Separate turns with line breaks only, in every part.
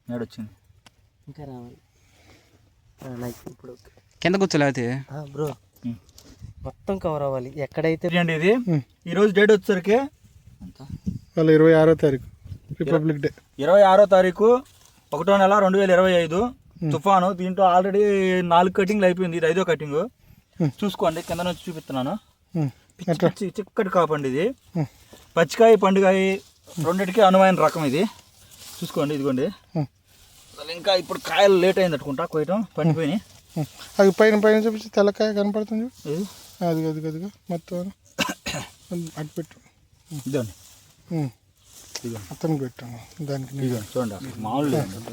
ఏడొచ్చింది
ఇంకా రావాలి నాకు ఇప్పుడు
కింద కూర్చోలేకపోతే
బ్రో మొత్తం కవర్ అవ్వాలి ఎక్కడైతే
అండి ఇది ఈరోజు డేట్ వచ్చేసరికి
వాళ్ళ 26వ తారీఖు రిపబ్లిక్ డే
26వ తారీఖు 1వ నెల 2025 తుఫాను. దీంట్లో ఆల్రెడీ 4 కటింగ్లు అయిపోయింది, ఇది 5వ కటింగ్. చూసుకోండి కింద నుంచి చూపిస్తున్నాను. చిక్కటి కాపండి ఇది. పచ్చికాయ పండుగాయ రెండింటికి అనువైన రకం ఇది. చూసుకోండి ఇదిగోండి. అసలు ఇంకా ఇప్పుడు కాయలు లేట్ అయింది అనుకుంటా కోయటం, పండిపోయినాయి.
అది పైన పైన చూపించి తెల్లకాయ కనపడుతుంది. అది అది అదిగా మొత్తం అటు పెట్టు.
ఇదండి
అతనికి పెట్టాను దానికి.
చూడండి మామూలు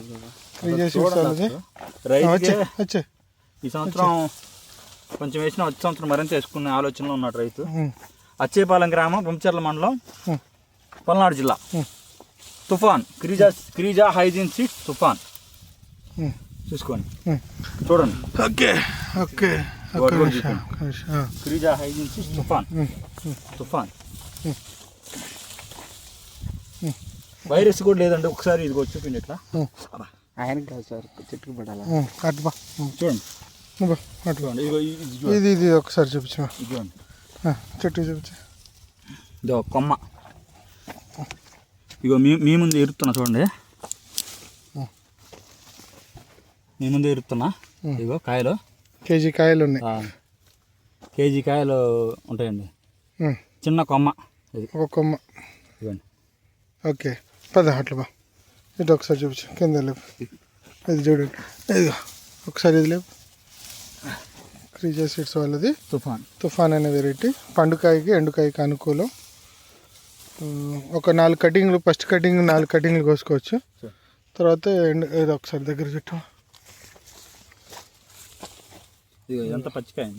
వచ్చే
ఈ సంవత్సరం కొంచెం వేసిన, వచ్చే సంవత్సరం మరింత వేసుకునే ఆలోచనలో ఉన్నాడు రైతు. అచ్చేపాలెం గ్రామం, బొంచర్ల మండలం, పల్నాడు జిల్లా. తుఫాన్ క్రీజా హైజిన్ సీడ్స్ తుఫాన్. చూసుకోండి చూడండి.
ఓకే ఓకే
క్రీజా హైజిన్ సీడ్స్ తుఫాన్. వైరస్ కూడా లేదండి. ఒకసారి ఇది కూడా చూపిండి ఇట్లా.
ఆయనకి కాదు సార్, చెట్టుకు పడాలా.
అటుబా
చూడండి
చూడండి. ఇది ఇది ఒకసారి చూపించు.
ఇదిగోండి
చెట్టు చూపించు.
ఇదో కొమ్మ. ఇగో మీ ముందు ఎరుతున్నా చూడండి. మీ ముందు ఎరుతున్నా. ఇగో కాయలు,
కేజీ కాయలు ఉన్నాయి.
కేజీ కాయలు ఉంటాయండి. చిన్న కొమ్మ ఇది,
ఒక కొమ్మ.
ఇవ్వండి.
ఓకే పద అట్లా బా. ఇటు ఒకసారి చూపించు. కింద లేపు. ఇది చూడండి. ఇదిగో ఒకసారి ఇది లేపు. క్రీజా సీడ్స్ వాళ్ళది తుఫాన్ అనే వెరైటీ. పండుకాయకి ఎండుకాయకి అనుకూలం. ఒక 4 కటింగ్లు, ఫస్ట్ కటింగ్ 4 కటింగ్లు కోసుకోవచ్చు. తర్వాత ఇది ఒకసారి దగ్గర చుట్టూ.
ఎంత పచ్చికాయ అండి.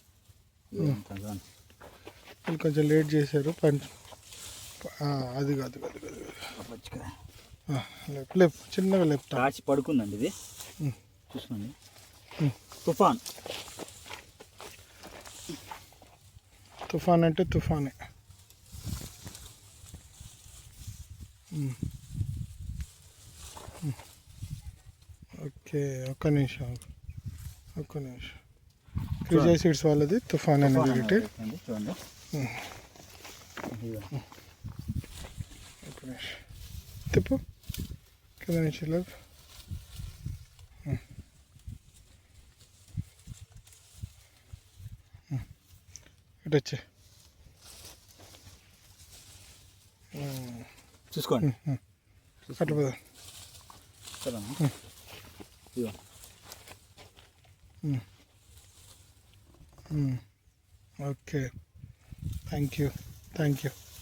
వీళ్ళు కొంచెం లేట్ చేశారు. అది కాదు
పచ్చికాయ
లేపు చిన్నగా లేపు.
కాచి పడుకుందండి ఇది. చూసుకోండి.
తుఫాన్ అంటే తుఫానే. ఓకే ఒక్క నిమిషం. క్రీజా సీడ్స్ వాళ్ళది తుఫాన్ అనే వెరైటీ.
చూడండి.
తిప్పు కింద నుంచి లేపు. ఇటు వచ్చి
చూసుకోండి.
అట్లా పోదా. Okay thank you.